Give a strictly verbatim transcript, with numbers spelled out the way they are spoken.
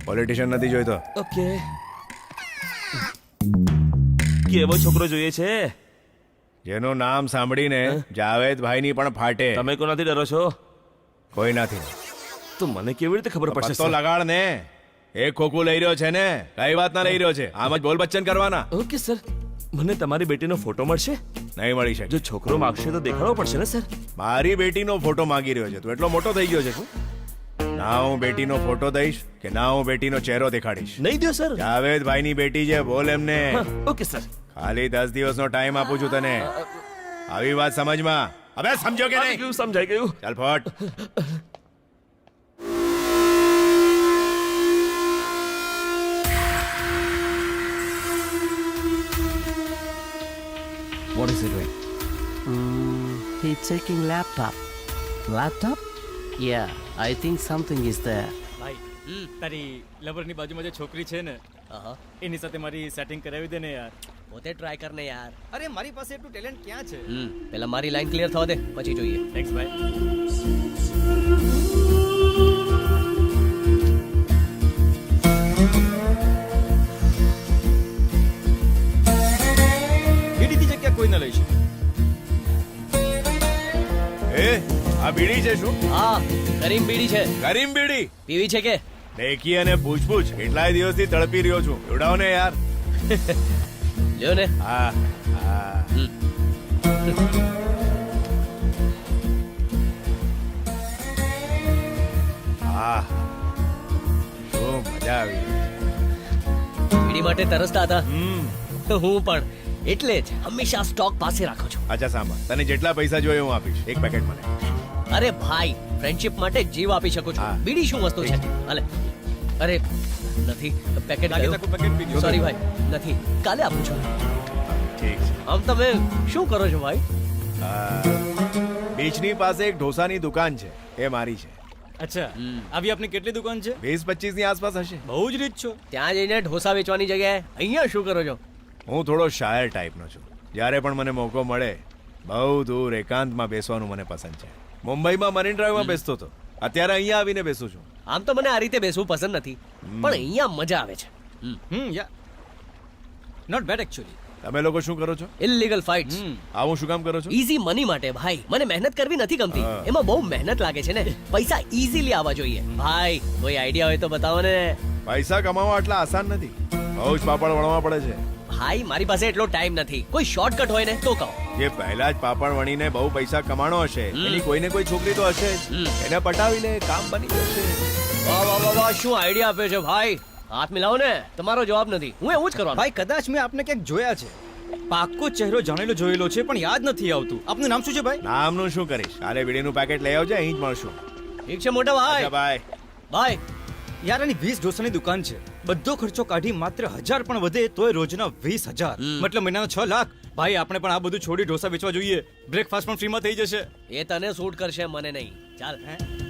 Politician નથી જોઈતો. Okay. કેવો છોકરો જોઈએ છે? જેનું નામ સાંભળીને જાવેદભાઈની પણ ફાટે. તમે કોનાથી ડરો છો? કોઈ નથી. તો મને કેવી રીતે ખબર પડશે? પત્તો લગાડ ને. એક ખોખું લઈ રહ્યો છે ને, કઈ વાત ના લઈ રહ્યો છે? આમ જ બોલ બચ્ચન કરવાના. Okay sir. મને તમારી બેટીનો ફોટો મળશે? નહીં મળી શકે. જો છોકરો માગશે તો દેખાડવો પડશે ને સર? મારી બેટીનો ફોટો માંગી રહ્યો છે તું? એટલો મોટો થઈ ગયો છે તું? ના હું બેટીનો ફોટો દઈશ કે ના હું બેટીનો ચહેરો દેખાડીશ. નહીં દો સર. જાવેદભાઈની બેટી છે, બોલ એમને. Okay sir. ખાલી દસ દિવસનો ટાઈમ આપું છું તને. આવી વાત સમજમાં. હવે સમજો કે નહીં? સમજાઈ ગયું. ચાલ ફટ. What is he doing? Mm, he's checking laptop. Laptop? Yeah, I think something is there. ભાઈ તારી લવરની બાજુમાં જે છોકરી છે ને એની સાથે મારી સેટિંગ કરાવી દે ને યાર. પોતે ટ્રાય કર ને યાર. અરે મારી પાસે એટલું ટેલેન્ટ ક્યાં છે? હમ પહેલા મારી લાઈન ક્લિયર થવા દે પછી જોઈએ. થેન્ક્સ ભાઈ. બીડીની જગ્યા કોઈ ન લઈ શકે. એ આ બીડી છે શું? હા કરીમ બીડી છે. કરીમ બીડી પીવી છે કે? દેખી અને પૂછ પૂછ. કેટલાય દિવસથી તડપી રહ્યો છું. ઉડાવ ને યાર. લ્યો ને. હા હા. હમ. હા શું મજા આવી. બીડી માટે તરસતા હતા હમ હું પણ એટલે જ હંમેશા સ્ટોક પાસે રાખું છું. અચ્છા સાંભળ, તને જેટલા પૈસા જોઈએ હું આપીશ. એક પેકેટ મને. અરે ભાઈ ફ્રેન્ડશિપ માટે જીવ આપી શકું છું. હા. બીડી શું વસ્તુ છે? હાલે. અરે નથી પેકેટ લાગે તાકું પેકેટ પી ગયો. સોરી ભાઈ નથી કાલે આપું છું. ઠીક છે. આમ તમે શું કરો છો ભાઈ? આ, બીચની પાસે એક ઢોસાની દુકાન છે, એ મારી છે. અચ્છા હમ. આવી આપની કેટલી દુકાન છે? વીસ પચીસ ની આસપાસ હશે. બહુ જ રીચ છો. ત્યાં જઈને ઢોસા વેચવાની જગ્યાએ અહીંયા શું કરો છો? હું થોડો શાયર ટાઈપનો છું. જ્યારે પણ મને મોકો મળે બહુ દૂર એકાંતમાં બેસવાનું મને પસંદ છે. મુંબઈમાં મરીન ડ્રાઈવમાં બેસતો હતો, અત્યારે અહીંયા આવીને બેસું છું. આમ તો મને આ રીતે બેસવું પસંદ નથી પણ અહીંયા મજા આવે છે. Hmm yeah not bad actually. તમે લોકો શું કરો છો? Illegal fights. આવું શું કામ કરો છો? ઈઝી મની માટે ભાઈ. મને મહેનત કરવી નથી ગમતી. હા. એમાં બહુ મહેનત લાગે છે ને. પૈસા ઈઝીલી આવવા જોઈએ. ભાઈ કોઈ આઈડિયા હોય તો બતાવો ને. પૈસા કમાવા આટલા આસાન નથી, બહુ જ પાપડ વણવા પડે છે. ભાઈ મારી પાસે એટલો ટાઈમ નથી. કોઈ શોર્ટકટ હોય ને તો કહો. જે પહેલા જ પાપડ વણીને બહુ પૈસા કમાણો હશે હમ. એની કોઈને કોઈ છોકરી તો હશે જ. હમ. એને પટાવી લે, કામ બની જશે. વાહ વાહ વાહ વાહ શું આઈડિયા આપ્યો છે ભાઈ. હાથ મિલાવો ને. તમારો જવાબ નથી. હું એવું જ કરવાનો. ભાઈ કદાચ મેં આપને ક્યાંક જોયા છે. પાક્કો ચહેરો જાણેલો જોયેલો છે પણ યાદ નથી આવતું. આપનું નામ શું છે ભાઈ? નામનું શું કરીશ? કાલે બીડીનું પેકેટ લઈ આવજે, અહીં જ મળશું. ઠીક છે મોટા ભાઈ. અચ્છા બાય. ભાઈ યાર આની વીસ ઢોસાની દુકાન છે. બધો ખર્ચો કાઢી માત્ર હજાર પણ વધે તોય રોજના વીસ હજાર હમ. મતલબ મહિનાના છ લાખ. ભાઈ આપણે પણ આ બધું છોડી ઢોસા વેચવા જોઈએ. બ્રેકફાસ્ટ પણ ફ્રીમાં થઈ જશે. એ તને સૂટ કરશે મને નહીં. ચાલ હે?